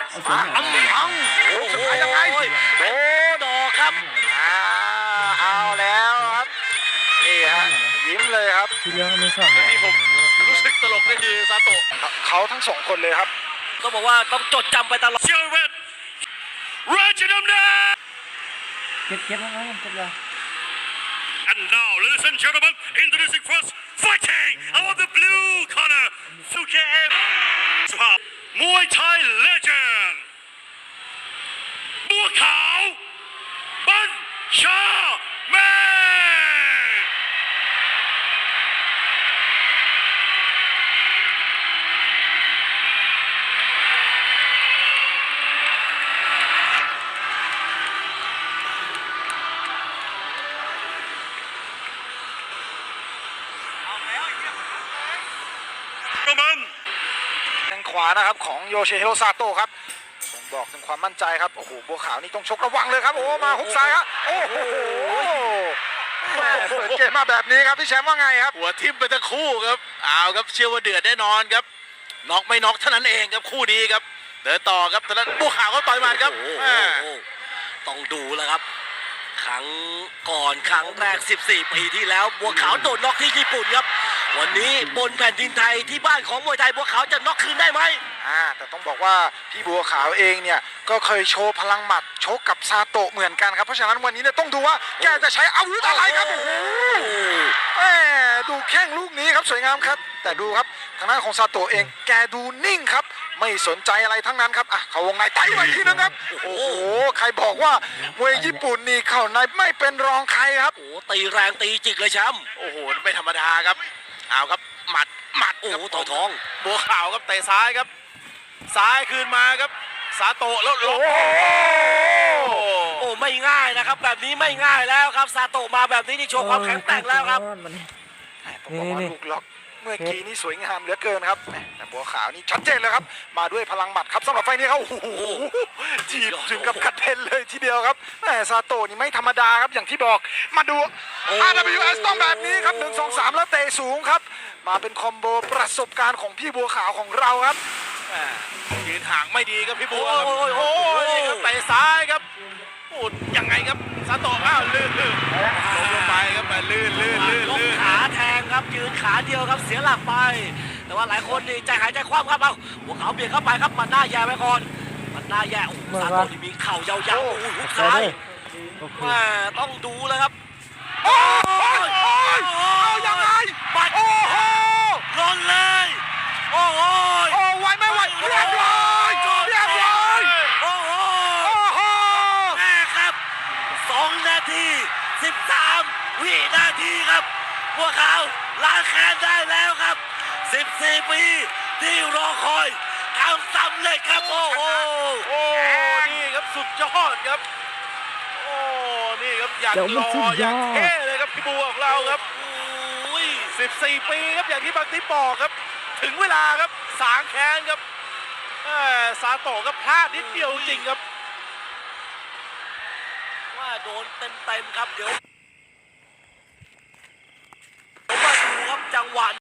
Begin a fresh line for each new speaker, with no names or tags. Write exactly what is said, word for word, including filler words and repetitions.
อังอังโอ้สุดท้ายยังไงโอ้ดอกครับเอาแล้วครับนี่ฮะยิ้มเลยครับ
ทีเดียวไม่สั่น
ที่ผมรู้สึกตลกนี่คือซาโตะ
เขาทั้งสองคนเลยครับ
ต้องบอกว่าต้องจดจำไปตลอดเชียร์เวทราชดำเนิน
เก็บเก็บนะครับเก็บเลย
And now, ladies and gentlemen, introducing first, fighting out of the blue corner, Suke M. Muay Thai legend, บัวขาวบัญชาแมน
ทางขวานะครับของโยชิฮิโรซาโตะครับผมบอกถึงความมั่นใจครับโอ้โหบัวขาวนี่ต้องชกระวังเลยครับโอ้มาฮุกซ้ายครับโอ้โหเปิดเกมมาแบบนี้ครับพี่แชมป์ว่าไงครับ
หัวทิ่มไปทั้งคู่ครับเอาครับเชื่อว่าเดือดแน่นอนครับน็อกไม่น็อกเท่านั้นเองครับคู่นี้ครับเดินต่อครับตอนนั้นบัวขาวก็ต่อยมาครับต้องดูแล้วครับครั้งก่อนครั้งแรกสิบสี่ปีที่แล้วบัวขาวโดนน็อกที่ญี่ปุ่นครับวันนี้บนแผ่นดินไทยที่บ้านของมวยไทยบัวขาวจะน็อกคืนได้ไหม
อ่าแต่ต้องบอกว่าพี่บัวขาวเองเนี่ยก็เคยโชว์พลังหมัดชกกับซาโตะเหมือนกันครับเพราะฉะนั้นวันนี้เนี่ยต้องดูว่าแกจะใช้อาวุธอะไรครับโอ้โหแหมดูแข้งลูกนี้ครับสวยงามครับแต่ดูครับทางด้านของซาโตะเองแกดูนิ่งครับไม่สนใจอะไรทั้งนั้นครับอ่ะเขาวงในไต่ไปทีนึงครับโอ้โหใครบอกว่ามวยญี่ปุ่นนี่เข้าในไม่เป็นรองใครครับ
โอ้ตีแรงตีจิกเลยแชมป์โอ้โหไม่ธรรมดาครับเอาครับหมัดหมัดโอ้โหต่อยท้องบัวขาวครับเตะซ้ายครับซ้ายคืนมาครับซาโตะแล้วโอ้โอ้ไม่ง่ายนะครับแบบนี้ไม่ง่ายแล้วครับซาโตะมาแบบนี้นี่โชว์ความแข็งแกร่งแล้วครับ
ผมบอกว่าลูกล็อกเมื่อกี้นี่สวยงามเหลือเกินครับแต่บัวขาวนี่ชัดเจนเลยครับมาด้วยพลังหมัดครับสำหรับไฟนี้เขาโอ้โหจีบถึงกับกระเด็นเลยทีเดียวครับแต่ซาโตะนี่ไม่ธรรมดาครับอย่างที่บอกมาดู อาร์ ดับเบิลยู เอส ต้องแบบนี้ครับหนึ่ง สอง สามแล้วเตะสูงครับมาเป็นคอมโบประสบการณ์ของพี่บัวขาวของเราครับ
ยืนห่างไม่ดีครับพี่บัวโอ้ยโอ้ยเตะซ้ายครับโอ้ยังไงครับซาโตะอ้าวลื่นลื่นลงลงไปครับมาลื่นลื่นลื่นลื่นขาแทงครับยืนขาเดียวครับเสียหลักไปแต่ว่าหลายคนนี่ใจหายใจคว่ำครับเอาหัวเขาเบียดเข้าไปครับมันหน้าแย่ไปก่อนมันหน้าแย่โอ้ซาโตะที่มีเข่ายาวๆโอ้หุกซ้ายมาต้องดูเลยครับ
โอ้ยเอายังไง
บัดโอ้โหลนเลยโอ้โห
โอ้ไหวไม่ไหวเรียบร้อยเรียบร้อย
โอ้โหโอ้โหแม่ครับสองนาทีสิบสามวินาทีครับพวกเขาล้างแค้นได้แล้วครับสิบสี่ปีที่รอคอยทำสำเร็จครับโอ้โหโอ้นี่ครับสุดยอดครับโอ้นี่ครับอย่างรออย่างเท่เลยครับพี่บัวของเราครับสิบสี่ปีครับอย่างที่บางทีบอกครับถึงเวลาครับสางแค้นครับซาโตะก็พลาดนิดเดียวจริงครับว่าโดนเต็มๆครับเดี๋ยวมาดูครับจังหวะ